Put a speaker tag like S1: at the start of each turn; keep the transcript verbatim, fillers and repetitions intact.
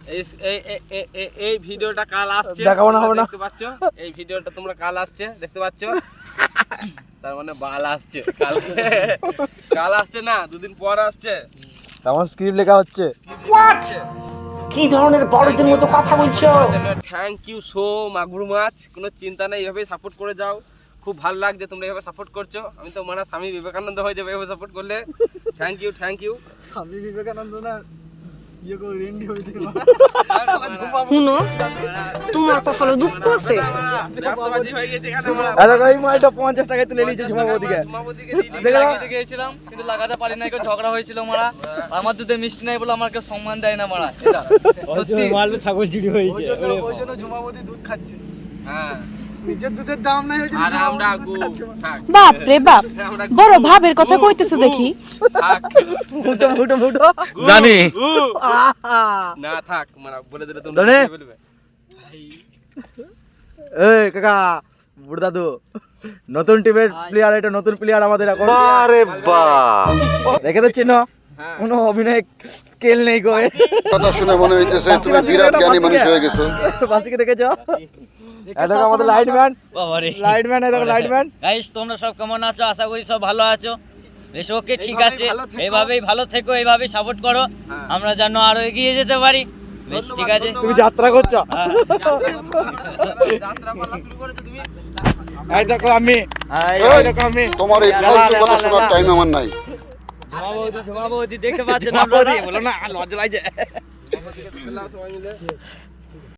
S1: এই এই এই- এই- এই ভিডিওটা কাল আসছে,
S2: দেখাবো না, হবে না।
S1: দেখতে পাচ্ছ? এই ভিডিওটা তোমরা কাল আসছে, দেখতে পাচ্ছ? তার মানে বাল আসছে কাল, কাল আসছে না, দুদিন পর আসছে।
S2: আমার স্ক্রিপ্ট লেখা হচ্ছে।
S3: কি ধরনের বড়দের মতো কথা বলছো?
S1: থ্যাংক ইউ সো মাগুর মাছ, কোনো চিন্তা নেই, এইভাবেই সাপোর্ট করে যাও। খুব ভালো লাগছে তোমরা এইভাবে সাপোর্ট করছো। আমি তো মানে স্বামী বিবেকানন্দ হয়ে যাবে এইভাবে সাপোর্ট করলে। Thank you thank you.
S2: Swami Vivekananda না, ইয়ে করে রেন্ডি হইতে
S4: শুনো, তোমার কপালে দুঃখ আছে।
S1: ব্যবসাবাজি হয়ে গেছে এখানে আমরা।
S2: আচ্ছা এই মালটা পঞ্চাশ টাকায় তুলে নিয়েছে ঝুমাবদিকে।
S1: ঝুমাবদিকে দিয়ে দিই।
S2: দেখো
S5: লাগাতে গিয়েছিলাম কিন্তু লাগাতে পারি না, কেউ ঝগড়া হয়েছিল মারা। আমার দুধে মিষ্টি নাই বলে আমার কেউ সম্মান দেয় না মারা। এটা সত্যি
S2: মালটা ছাগল চুরি হয়েছে।
S6: ওই জন্য ওই জন্য ঝুমাবতী দুধ খাচ্ছে।
S1: হ্যাঁ
S6: নিজের দুধের দাম নাই ওই জন্য
S1: আর আমরা
S6: ঝুমাবতী
S1: গু
S6: দুধ খাচ্ছে।
S1: থাক
S4: বাপ রে বাপ,
S1: আমরা
S4: বড় ভাবের কথা কইতেছো দেখি।
S1: থাক
S2: মুটো মুটো মুটো
S7: জানি
S1: গু। না থাক মানে বলে দিলে তোমরা
S2: ডনে।
S1: বুঝে ফেলবে।
S2: এই কাকা বুড় দাদু, নতুন টিমের প্লেয়ার, এটা নতুন প্লেয়ার আমাদের এখন।
S7: আরে বাহ
S2: দেখে তো চিনো,
S1: হ্যাঁ
S2: কোনো অভিনয় স্কেল নেই কই।
S8: কথা শুনে মনে হইতেছে তুমি বিরাট জ্ঞানী মানুষ হয়ে গেছো।
S2: বাসিকে দেখেছো? এই দেখো আমাদের লাইটম্যান,
S5: বাবারে।
S2: লাইটম্যান এই দেখো লাইটম্যান।
S5: গাইস তোমরা সব কেমন আছো? আশা করি সব ভালো আছো। বেশ ওকে, ঠিক
S1: এইভাবেই
S5: আছে,
S1: ভালো থেকো।
S5: এইভাবেই ভালো থেকো, এইভাবেই সাপোর্ট করো,
S1: হ্যাঁ।
S5: আমরা যেন আরো এগিয়ে যেতে পারি। বেশ ঠিক আছে।
S2: তুমি যাত্রা করছো।
S5: হ্যাঁ।
S1: যাত্রা পালা শুরু করেছো তুমি।
S2: এই দেখো আমি,
S5: এই,
S2: এই দেখো আমি।
S8: তোমার এই ফালতু কথা শোনার টাইম আমার নাই।
S5: ঝুমা বৌদি, ঝুমা বৌদি দেখতে পাচ্ছেন
S2: বাবা
S5: আপনারা?
S2: রে, বলো না লজ্জা লাগছে।
S1: সবাই মিলে